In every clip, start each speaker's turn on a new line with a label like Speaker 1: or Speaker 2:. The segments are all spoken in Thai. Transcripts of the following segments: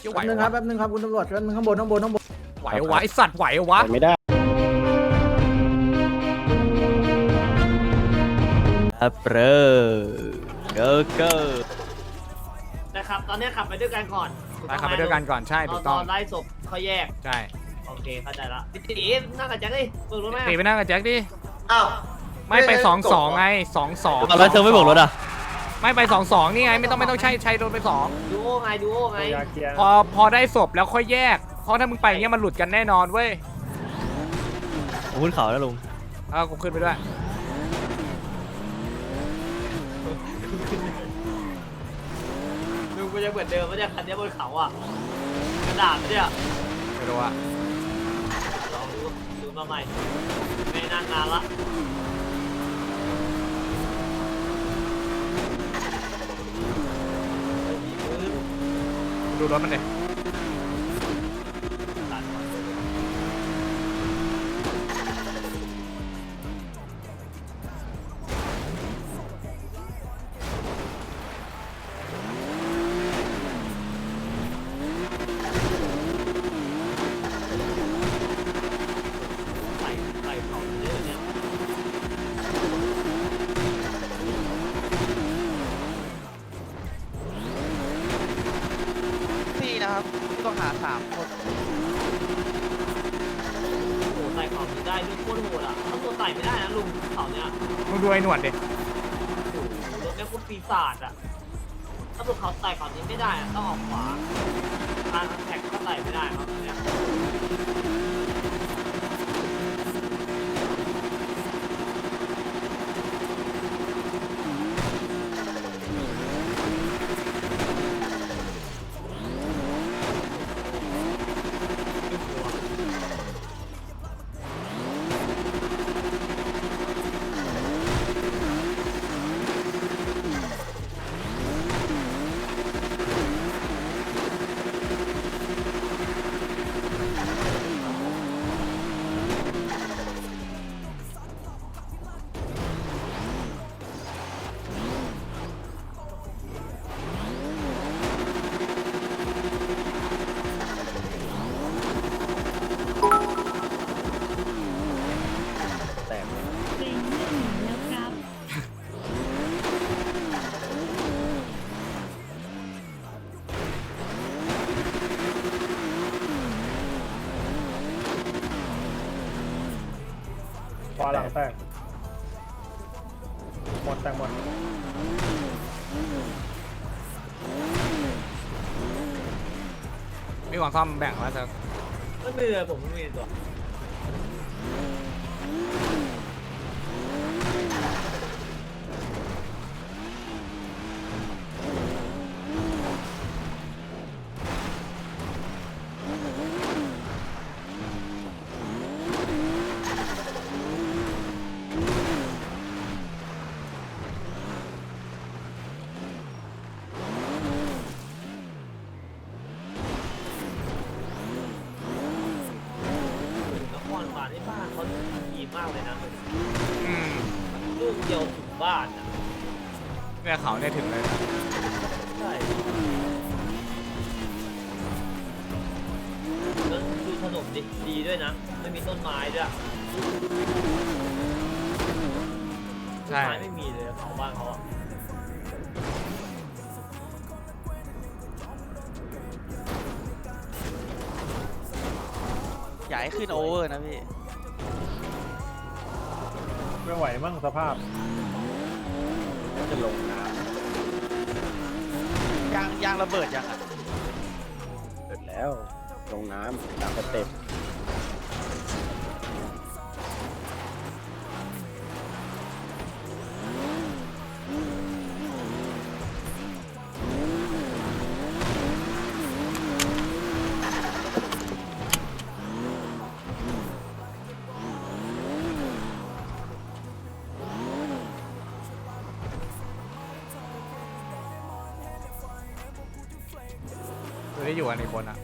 Speaker 1: เชี่ยวไหว
Speaker 2: แป๊บนึงครับแป๊บนึงครับคุณตำรวจแป๊บนึงข้างบน
Speaker 1: ไหววะไอสัตว์ไหววะ
Speaker 3: ไม่ได้
Speaker 4: เปรอเกอร์เกอร์
Speaker 5: นะครับตอนนี้ขับไปด้วยกันก่อน
Speaker 1: ไปขับไปด้วยกันก่อนใช่ถูกต้อง
Speaker 5: ตอนไล่ศพเขาแยก
Speaker 1: ใช่
Speaker 5: โอเคเข้าใจละพี่ตีนั่งกับแจ็คดิเปิดรถไหม
Speaker 1: ตีไปนั่งกับแจ็คดิ
Speaker 2: อ้าว
Speaker 1: ไม่ไป2-2ไง2-2
Speaker 4: เอาแล้วเธอไม่บอกรถอ่ะ
Speaker 1: ไม่ไป2-2นี่ไงไม่ต้องใช้รถไป2
Speaker 5: ดูโอไงดูโอไง
Speaker 1: พอได้ศพแล้วค่อยแยกเพราะถ้ามึงไปอย่างเงี้ยมันหลุดกันแน่นอนเว้ย
Speaker 4: ผมขึ้นเขาแล้วลุง
Speaker 1: เอากูขึ้นไปด้วย
Speaker 5: ดูกูจะเหมือนเดิมไม่ใช่คันนี้บนเขาอ่ะกระดาษเนี่ย
Speaker 1: ไม่รู้อะ
Speaker 5: ลองดูมาใหม่ไม่นานละ
Speaker 1: ดูรถมันดิ
Speaker 5: ใส่เขาเนี่ยเนี่ย
Speaker 6: นี่นะครับผู้ต้องหา3 คน
Speaker 5: โอ้ใส่เขาได้ด้วยโคตรโหดอ่ะถ้าตัวใส่ไม่ได้นะลุงเขาเนี่ย
Speaker 1: มึงดูไอ้หนวดดิ
Speaker 5: รถเนี่ยคุณปีศาจอ่ะถ้าพวกเขาใส่ก่อนนี้ไม่ได้อะต้องออกขวาทางแท็กก็ใส่ไม่ได้ครับเนี่ย
Speaker 7: เป็นเรื่องหนีแล้วครับ
Speaker 2: ขวาหลังแตกหมดแตกหมด
Speaker 1: มีของซ่อมแบ่งแล้วเธอ
Speaker 5: ไม่มีเลยผมไม่มีตัวนครมาที่บ้านเขาดีมากเลยนะ
Speaker 1: อืม
Speaker 5: ลูกเดียวถึงบ้านอ่ะ
Speaker 1: เนี่ยเขาเนี่ยถึงเลยนะ
Speaker 5: ใช่แล้วดูถนนดิดีด้วยนะ ไม่มีต้นไม้ด้วย ต้น
Speaker 1: ใช่
Speaker 5: ไม้ไม่มีเลยเขาบ้านเขาอะ
Speaker 6: อย่าให้ขึ้นโอเวอร์นะพี่
Speaker 2: ไม่ไหวมั่งสภาพ
Speaker 3: จะลงน้
Speaker 6: ยางระเบิดยังอ่ะ
Speaker 3: ำเสร็จแล้ว ลงน้ำตามสเต็ป
Speaker 1: ดูได้อยู่กันในคนอะ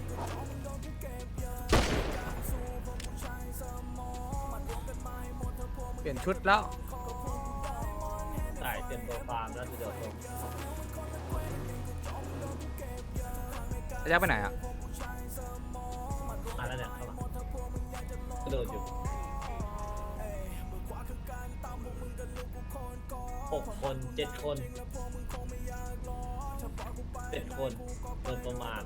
Speaker 1: เปลี่ยนชุดแล้ว
Speaker 5: ใส่เต็มตัวฟาร์มแล้วเดี๋ยวผม
Speaker 1: ระยะไปไหนอ่ะ
Speaker 5: มาแล้วเนี่ยเข้ามากระโดดอยู่6 คน7 คน7 คนโดนประมาณ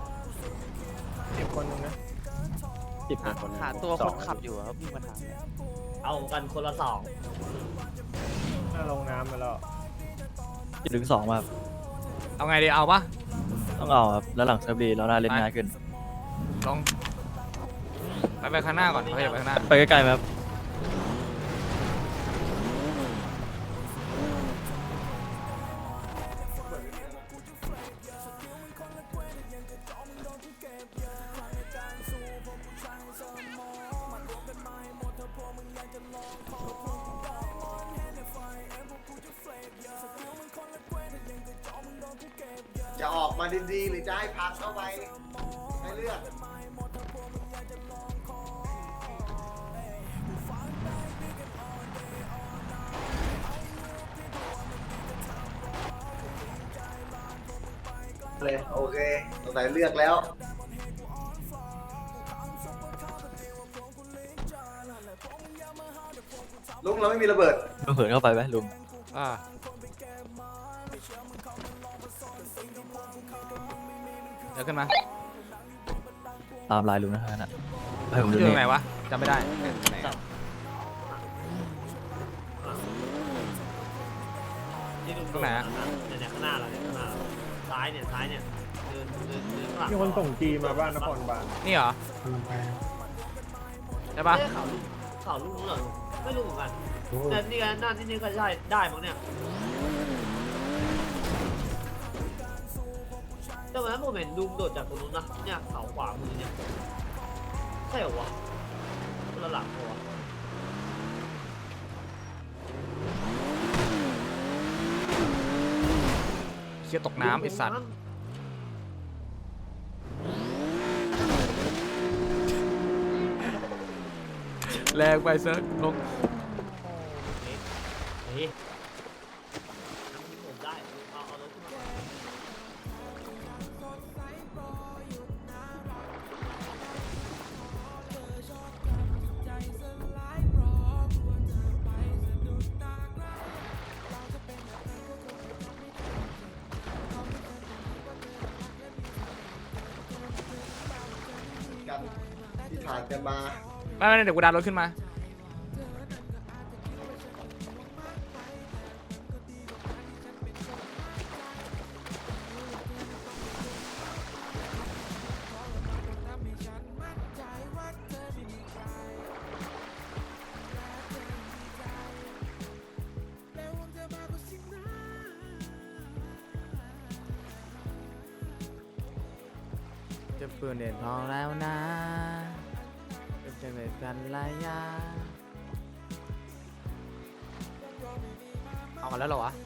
Speaker 2: 10 คนนึงนะ
Speaker 3: 10 คน
Speaker 6: หาตัวคนขับอยู่อะครับพี่มาถามเนี่ย
Speaker 5: เอากันคนละ2
Speaker 2: น่าลงน้ำไปแล้ว
Speaker 4: จะถึง2มาครับ
Speaker 1: เอาไงดีเอาปะ
Speaker 4: ต้องเอาครับแล้วหลังเซิร์ฟดีเราน่าเล่นง่ายขึ้น
Speaker 1: ลองไปข้างหน้าก่อนเขาอย่าไปข้างหน้า
Speaker 4: ไปใกล้ๆไหมครับ
Speaker 7: จะออกมาดีๆหรือจะให้พักเข้าไปให้เลือกเลยโอเคสงสัยเลือกแล้วลุงเราไม่มีระเบิด
Speaker 4: ลุงเหินเข้าไปไหมลุง
Speaker 1: อ่าเดี๋ยวขึ้นมา
Speaker 4: ตามลายลุงนะฮะน่ะให้ผม
Speaker 1: อ
Speaker 4: ดู
Speaker 1: ยู่ตร
Speaker 4: นี่
Speaker 1: งไหนวะจำไม่ได้ไหนอะ
Speaker 5: ที่ลุง
Speaker 1: ตรงไหนอะ
Speaker 5: เนี่ยข้างหน้าเราเนี่ยข้างหน้าเราซ้ายเนี่ยเดินข้างหลัง
Speaker 2: มีคนส่งจีมาบ้านนครบาล
Speaker 1: นี่เหรอใช่ปะ
Speaker 5: ไม่ได้ข่าวลุงรู้เหรอไม่รู้เหมือนกันแต่นี่กันหน้าที่นี่ก็ใช่ได้มั้งเนี่ยแต่วันนั้นผมเห็นลุงโดดจากตรงนู้นนะเนี่ยเขาขวามือเนี่ยใช่เหรอวะคนละหลังเหรอวะ
Speaker 1: เชี่ยตกน้ำไอ้สัตว์แรงไปเซิร์ฟลง
Speaker 5: เฮ้ยผมได้เอารถขึ้นมาก่อน
Speaker 7: กันที่ผ่านกันมา
Speaker 1: ไม่เดี๋ยวกูดันรถขึ้นมา จะปืนเด่นพอแล้วนะจะเป็นกันระยะเอากันแล้วเหรอวะ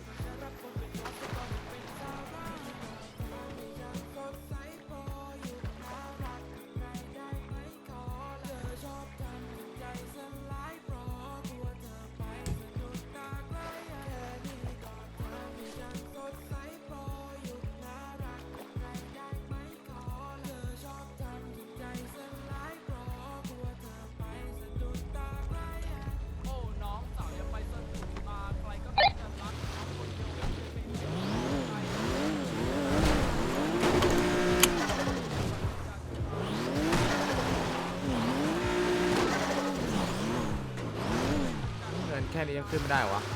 Speaker 1: เงินแค่นี้ยังขึ้นไม่ได้เหรอวะ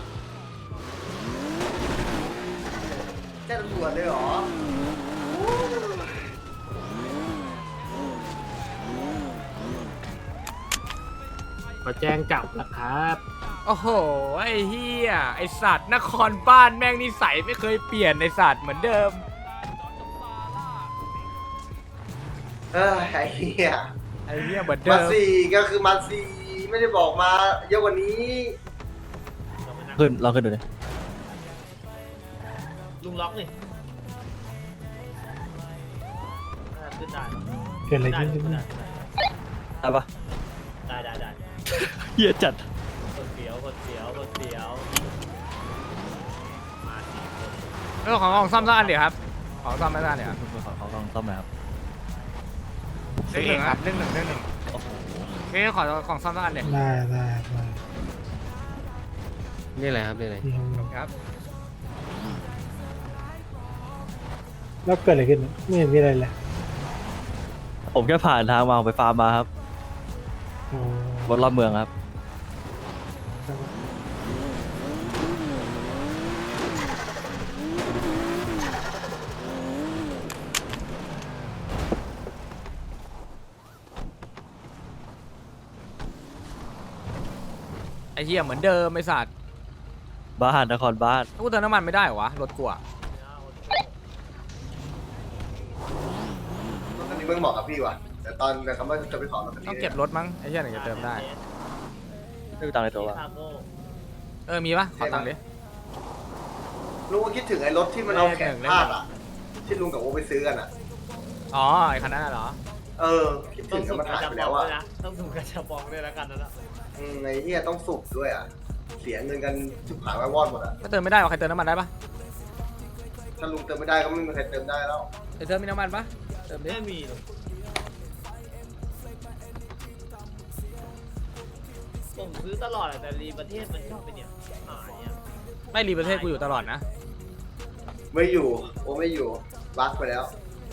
Speaker 7: แจ้งตำรวจเลยเหรอ
Speaker 5: มาแจ้งจับนะครับ
Speaker 1: โอ้โหไอ้เฮียไอสัตว์นครบ้านแม่งนิสัยไม่เคยเปลี่ยนไอสัตว์เหมือนเดิม
Speaker 7: ไอ้เหี้ย
Speaker 1: ไอ้เฮียเหมือน
Speaker 7: มา
Speaker 1: เดิม
Speaker 7: สี่ก็คือมาสี่ไม่ได้บอกมาเยอะกว่านี้
Speaker 4: ขึ้นลองขึ้นดูดิ
Speaker 5: ลุงล็อกนี่ขึ้นได้
Speaker 2: เกิดอะไรขึ้น
Speaker 5: ได้
Speaker 4: ได้ปะ
Speaker 5: ได้
Speaker 4: เฮียจัด
Speaker 5: คนเสียวมา4 คน
Speaker 1: ของซ่อมสักอันเดี๋ยวครับของซ่อมไม่ได้เดี๋ยว
Speaker 4: เขาลองซ่อมหน่อยครับ
Speaker 1: หนึ่งครับ1-1เฮ้ยขอของซ่อมสักอันเลย
Speaker 2: ได้
Speaker 3: นี่อะไรครับนี่อะไร
Speaker 1: ครับ
Speaker 2: แล้วเกิดอะไรขึ้นไม่เห็นมีอะไรเลย
Speaker 4: ผมแค่ผ่านทางมาไปฟาร์มมาครับบนรอบเมืองครับ
Speaker 1: ไอ้เหี้ยเหมือนเดิมไอ้สัตว์
Speaker 4: บ้านนครบ้าน
Speaker 1: กูเติมน้ำมันไม่ได้เหรอวะรถกูอะ
Speaker 7: รถคันนี้มึงเหมาะกับพี่ว่ะแต่ตอนเขาไม่จะไปขอรถคันนี้
Speaker 1: ต้องเก็บรถมั้งไอ้เหี้ยถึงจะเติมได้
Speaker 4: ไม่มีตังค์ในตัววะ
Speaker 1: มีปะขอตังค์ดิ
Speaker 7: ลุงก็คิดถึงไอ้รถที่มันเอาแขนพาดอ่ะที่ลุงกับโอไปซื้อกันอ่ะ
Speaker 1: อ๋อไอ้คันนั้นน่ะเหรอ
Speaker 7: คิด
Speaker 5: ต้
Speaker 7: ถึ
Speaker 5: อง
Speaker 7: ง
Speaker 5: สู
Speaker 7: แล้ว
Speaker 5: บ
Speaker 7: มัน
Speaker 5: กระ
Speaker 7: หาย
Speaker 5: ชับ
Speaker 7: ไป
Speaker 5: บ
Speaker 7: แล้ วอ่ะ
Speaker 5: องด้วยนะต้องสูบกระชับบองด้วยแล้วกันนะ
Speaker 7: ไอ้เหี้ยต้องสุกด้วยอ่ะเสียเงินกันจุกหายไว้วอดหมดอ่ะ
Speaker 1: ก็เติมไม่ได้หรอใครเติมน้ำมันได้ปะ
Speaker 7: ถ้าลุงเติมไม่ได้ก็ไม่มีใครเติมได้แล้ว
Speaker 1: ไอ้เติมมีน้ำมันปะเติมดิ
Speaker 5: ไม่มีหรอกผมซื้อตลอดแต่รีประเทศมันชอบไปเนี่ยหายอ่ะ
Speaker 1: ไม่รีประเทศกูอยู่ตลอดนะ
Speaker 7: ไม่อยู่โอไม่อยู่บักไปแล้ว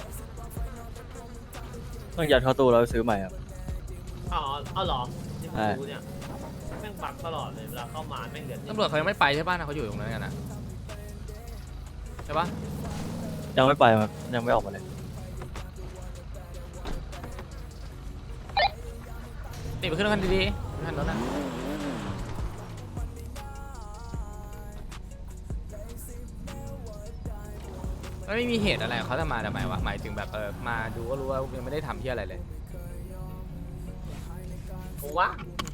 Speaker 4: ต้องยัดเข้าตู้แล้วซื้อใหม่ครับ
Speaker 5: อ๋อเอาเหรอที่ผมรู้เนี่ยแม่งบักตลอดเลยเวลาเข้ามาแม่งเดือด
Speaker 1: ตำรวจเขายังไม่ไปใช่ปะนะเขาอยู่ตรงนั้นกันนะใช่ปะ
Speaker 4: ยังไม่ไปครับยังไม่ออกมาเลย
Speaker 1: นี่ไปขึ้นรถคันดีๆคันรถนะมันไม่มีเหตุอะไรเขาจะมาทำไมวะหมายถึงแบบมาดูก็รู้ว่ายังไม่ได้ทำที่อะไรเลย
Speaker 5: ผมว่า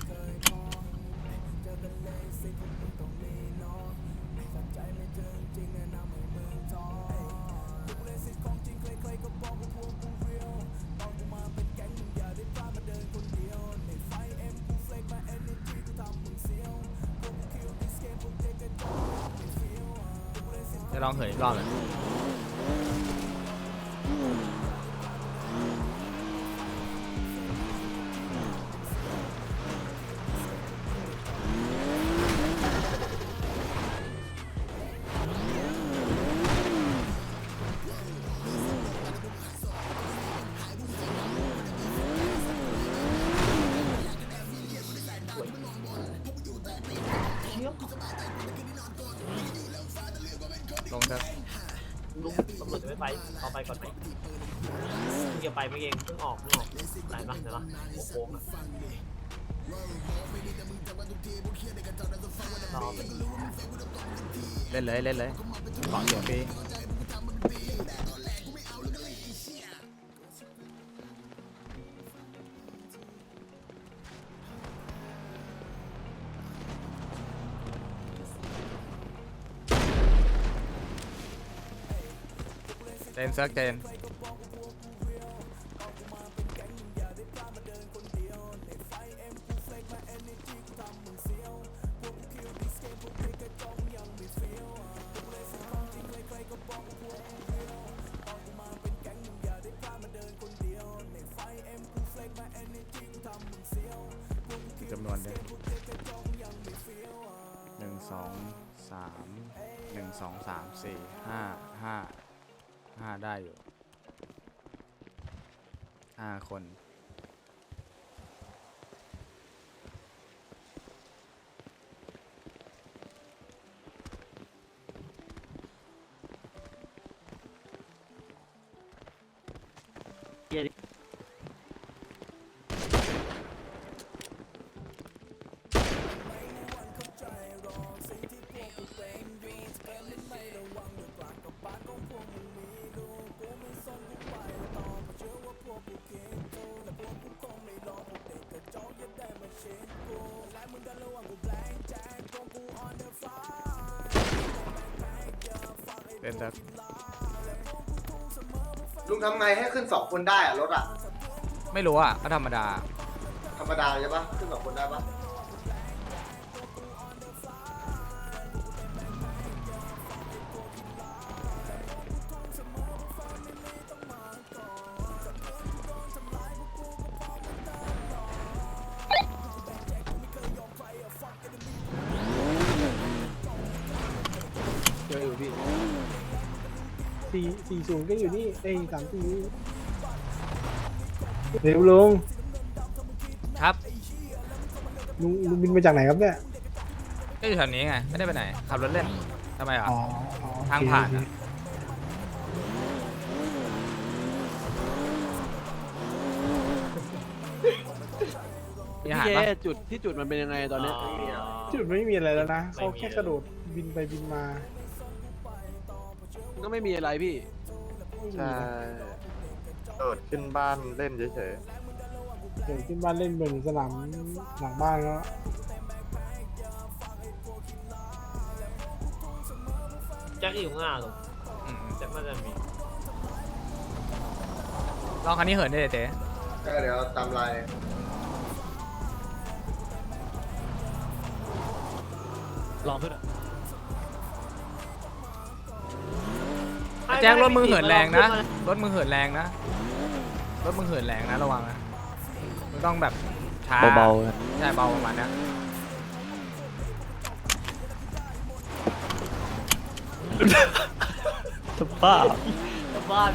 Speaker 1: จะลองเหินอีกรอบเลยลงเถอะ
Speaker 5: ลุงตำรวจจะไม่ไปเอาไปก่อนไหมเพิ่งจะไปเมื่อกี้เพิ่งออกไหนปะเดี๋ยวนะหัวโค้งอะรอไป
Speaker 1: เล่นเลยของเสียฟรีเจนเซิร์กเจนจำนวนเลย1 2 3 1 2 3 4 5ได้อยู่5 คนเล่นเซิร์ก
Speaker 7: ลุงทำไงให้ขึ้น2 คนได้อ่ะรถอ่ะ
Speaker 1: ไม่รู้อ่ะก็ธรรมดา
Speaker 7: ธรรมดาใช่ปะขึ้น2 คนได้ปะ
Speaker 3: อยู่พี่
Speaker 2: 40ก็อยู่นี่34เร็วลุง
Speaker 1: ครับ
Speaker 2: ลุงบินมาจากไหนครับเนี่ย
Speaker 1: ก็อยู่แถวนี้ไงไม่ได้ไปไหนขับรถเล่นทำไมอ่ะ
Speaker 2: อ๋อ
Speaker 1: ทางผ่านอะ มีอาหาร
Speaker 3: พี่
Speaker 1: ปะ
Speaker 3: เจจุดมันเป็นยังไงตอนเนี้ย
Speaker 2: จุดไม่มีอะไรแล้วนะเขาแค่กระโดดบินไปบินมา
Speaker 3: ก็ไม่มีอะไรพี่
Speaker 2: ไม่มี
Speaker 8: ใช่
Speaker 2: นะ
Speaker 8: โดดขึ้นบ้านเล่นเฉย
Speaker 2: เดี๋ยวขึ้นบ้านเล่นบนสนามหลังบ้านแล้ว
Speaker 5: แจ็คอยู่ข้างหน้าลูก
Speaker 1: อืม
Speaker 5: แจ็คน่าจะมี
Speaker 1: ลองคันนี้เหินได้เลยเจ๊
Speaker 7: ก็เดี๋ยวตามลาย
Speaker 4: ลองขึ้นอะ
Speaker 1: แจ็ครถมึงเหินแรงนะรถมึงเหินแรงนะรถมึงเหินแรงนะระวังนะมึงต้องแบบช้า
Speaker 4: เบาๆนะ
Speaker 1: ใช่เบาประมาณเนี้ย
Speaker 4: จะบ้า
Speaker 5: กลับบ้าน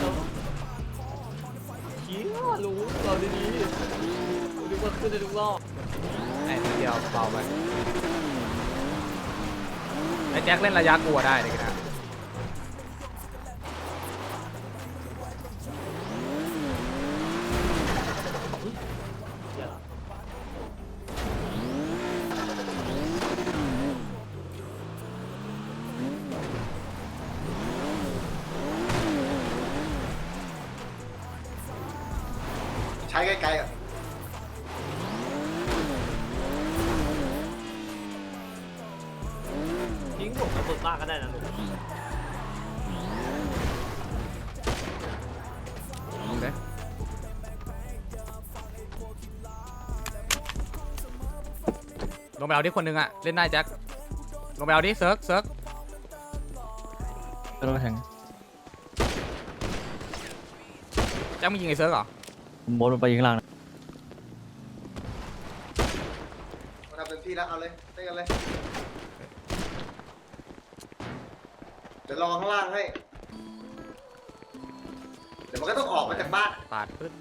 Speaker 5: เชี่ยรู้เราดีๆดูว่าขึ้นได้ทุกรอบ
Speaker 1: ไอ้นิดเดียวเบาไปไอ้แจ็คเล่นระยะกลัวได้เลยนะ
Speaker 7: ใช้ไกลๆอ่ะ
Speaker 5: ทิ้งผมกับฝึกบ้านก็ได้นะลูก
Speaker 1: โอเคลงไปเอาที่คนหนึงอะเล่นได้แจ็คลงไปเอาดิเซิร์ก
Speaker 4: ไม่ต้องแทง
Speaker 1: แจ็คมึงยิงไอ้เซิร์กเหรอ
Speaker 4: โมดมันไปยิงข้างล่างนะ
Speaker 7: มาทำเต็มที่แล้วเอาเลยเล่นกันเลยเดี๋ยวรอข้างล่างให้เดี๋ยวมันก็ต้องออกมาจากบ้าน
Speaker 1: ปาดปึ๊ด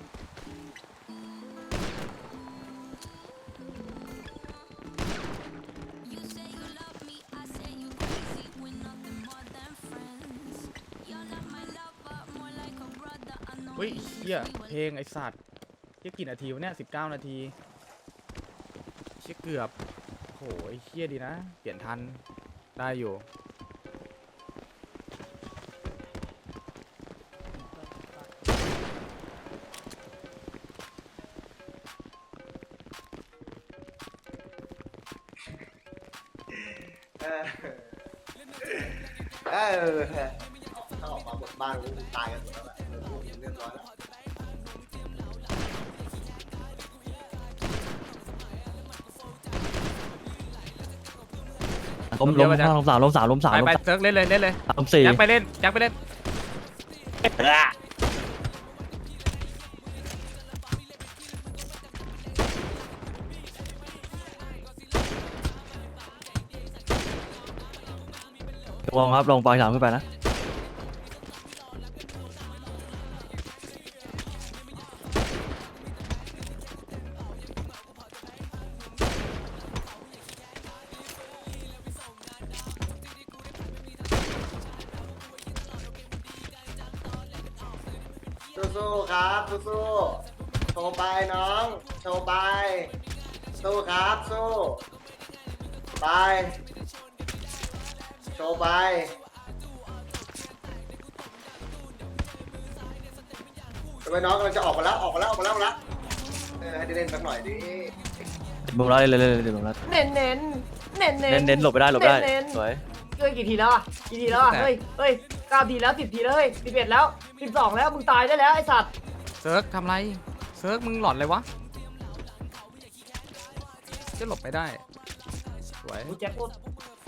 Speaker 1: เฮ้ยเฮียเพลงไอ้สัตว์เฮียกี่นาทีวะเนี่ย19 นาทีเฮียเกือบโหไอ้เฮียดีนะ เปลี่ยนทันได้อยู่
Speaker 7: ถ้าออกมาบนบ้านกูตายกันหมดแล้วแหละเรียบร้อยแล้ว
Speaker 4: ล้ม3 ล้ม
Speaker 1: ไปเซิร์กเล่นเลย
Speaker 4: ล้ม4
Speaker 1: แจ็คไปเล่นแจ็คไปเล่น
Speaker 4: ลงครับลงปล่อย3ขึ้นไปนะ
Speaker 7: สู้ๆครับสู้ๆโชว์ไปน้องโชว์ไปสู้ครับสู้ไปโชว์ไปทำไมน้องกำลังจะออกมาแล้วให้ได้เล่นสักหน่อยดิ
Speaker 4: บุ้มแล้วเลยเดี๋ยวบุ้มแล้ว
Speaker 5: เน้นเน้นเน้น
Speaker 4: เน้นหลบไปได้สวย
Speaker 5: เฮ้ยกี่ทีแล้วอ่ะเฮ้ย9 ทีแล้ว10 ทีแล้วเฮ้ย11แล้ว12แล้วมึงตายได้แล้วไอ้สัตว์
Speaker 1: เซิร์กทำไรเซิร์กมึงหลอนเลยวะจะหลบไปได้สวย
Speaker 5: กูแจ็คโคตร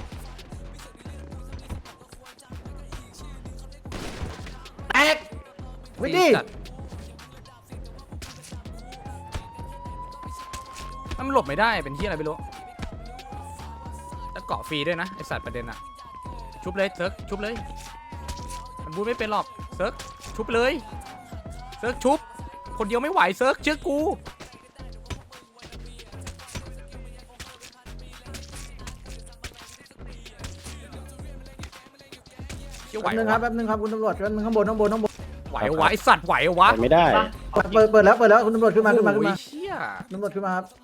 Speaker 7: แตกวิดี
Speaker 1: จัดมันหลบไม่ได้เป็นที่อะไรไม่รู้แล้วเกาะฟรีด้วยนะไอสัตว์ประเด็นอะชุบเลยเซิร์กชุบเลยมันบูทไม่เป็นหรอกเซิร์กชุบเลยเซิร์กชุบคนเดียวไม่ไหวเซิร์กเชื่อกูเชื่อไหว
Speaker 9: แป๊บนึงครับคุณตำรวจแป๊บนึงข้างบน
Speaker 1: ไหววะไอสัตว์ไหววะ
Speaker 3: ไม่ได้
Speaker 9: เปิดแล้วคุณตำรวจขึ้นมา
Speaker 1: โอ้ยเชี่ย
Speaker 9: ตำรวจขึ้นมาครับ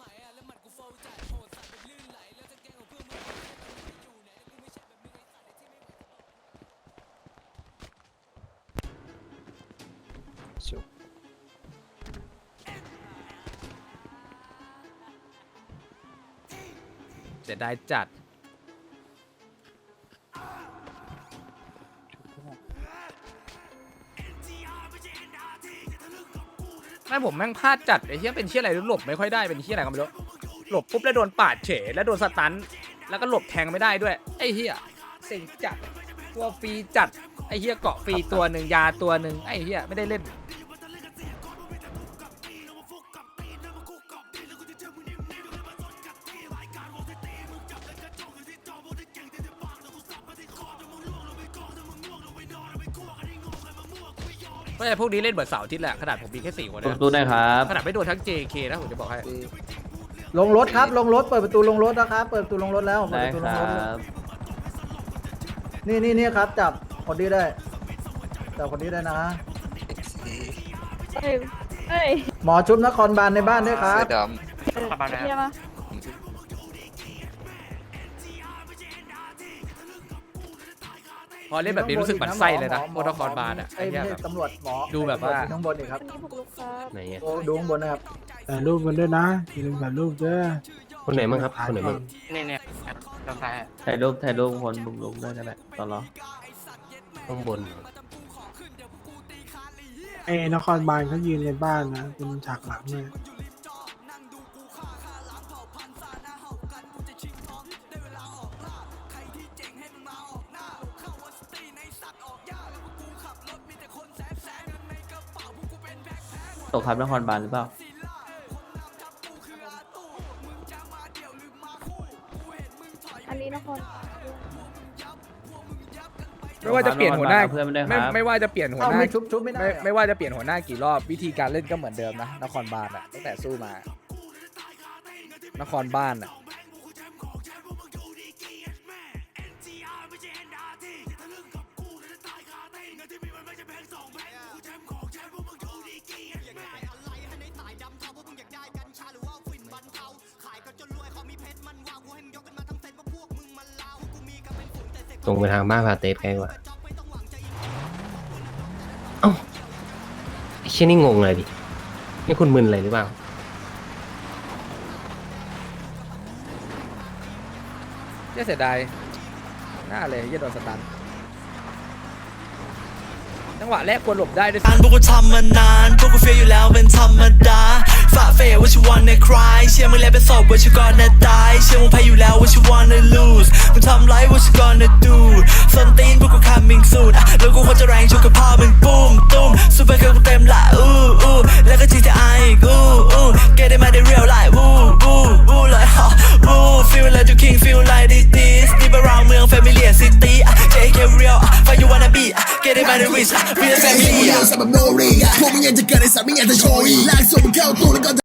Speaker 1: เสียดายจัดแม่ผมแม่งพลาดจัดไอ้เหี้ยเป็นเหี้ยอะไรหลบไม่ค่อยได้เป็นเหี้ยอะไรก็ไม่รู้หลบปุ๊บแล้วโดนปาดเฉยแล้วโดนสตันแล้วก็หลบแทงไม่ได้ด้วยไอ้เหี้ยเซ็งจัดตัวฟรีจัดไอ้เหี้ยเกาะฟรีตัวหนึ่งยาตัวหนึ่งไอ้เหี้ยไม่ได้เล่นเพราะไอ้พวกนี้เล่นเบิดเสาร์อาทิตย์แหละขนาดผมมีแค่4 คนนะ
Speaker 4: ตู้ได้ครับ
Speaker 1: ขนาดไม่โดนทั้ง JK นะผมจะบอกให้
Speaker 9: ลงรถครับลงรถเปิดประตูลงรถนะครับเปิดประตูลงรถแล้วเปิด
Speaker 4: ได้
Speaker 9: ประตู
Speaker 4: ค
Speaker 9: ลง
Speaker 4: รั
Speaker 9: รถ
Speaker 4: บ
Speaker 9: นี่ครับจับคนนี้ได้จับคนนี้ได้นะหมอชุบนครบาลในบ้านด้วยครับ
Speaker 1: พอเล่นแบบนี้รู้สึกหมันไส้เลยนะโมนครบาลอ่ะ
Speaker 9: ไอ้
Speaker 1: ไอ้เหี้ย
Speaker 9: ไม่
Speaker 1: แบ
Speaker 9: ใช่
Speaker 1: บ
Speaker 9: ตำรวจหมอ
Speaker 1: ดูแบบว่า
Speaker 9: ข้างบนอีกครับ
Speaker 3: ไหน
Speaker 9: โอ้ดูข้างบนนะครับ
Speaker 2: ถ่ายรูปมันด้วยนะอย่าลืมถ่ายรูปด้วย
Speaker 3: คนไหนมั่งครับคนไหนมั่ง
Speaker 6: เนี่ยกาแฟ
Speaker 4: ถ่ายรูปคนบุกลุกได้ก็ได้ตลอด
Speaker 3: ข้างบน
Speaker 2: ไอ้นครบาลเขายืนในบ้านนะเป็นฉากหลังเนี่ย
Speaker 4: ตกครับนครบาลหรือเปล่า
Speaker 10: อันนี้นคร
Speaker 1: ไม่ว่าจะเปลี่ยนหัวหน้า
Speaker 4: เพื่อนไม่ได้ครับ
Speaker 1: ไม่ว่าจะเปลี่ยนหัว
Speaker 9: เอ้า
Speaker 1: หน้า
Speaker 9: ไม่ชุบไม่ได้
Speaker 1: ไม่ว่าจะเปลี่ยนหัวหน้ากี่รอบวิธีการเล่นก็เหมือนเดิมนะนครบาลอ่ะตั้งแต่สู้มานครบ้านอ่ะ
Speaker 3: ตรงไปทางบ้านพาเตสไกลกว่าเอ้าไอ้เชี่ยนี่งงเลยดินี่คุณมึนอะไรหรือเปล่า
Speaker 1: เสียดายหน้าเลยโดนสตันจังหวะแรกควรหลบได้ด้วย
Speaker 11: พวกกูทำมานานพวกกูเฟียอยู่แล้วเป็นธรรมดาฝ่าเฟย what you wanna cry เชื่อมึงแล้วเป็นศพ what you gonna die เชื่อมึงแพ้อยู่แล้ว what you wanna lose มึงทำไร what you gonna do ส้นตีนพวกกู coming soon แล้วกูควรจะแรงชกกับพ่อมึงปุ้มตุ้มซูเปอร์เกิร์ลกูเต็มละแล้วก็ GTI อีกget it มาได้ real life like feel like you king feel like this deep around เมือง familiar city JK real fight you wanna be get it มาได้ rich real family
Speaker 12: พวกมึงยังจะเกิดในสามไม่อยากจะโชยลากส่งมึงเข้าตู้แล้วก็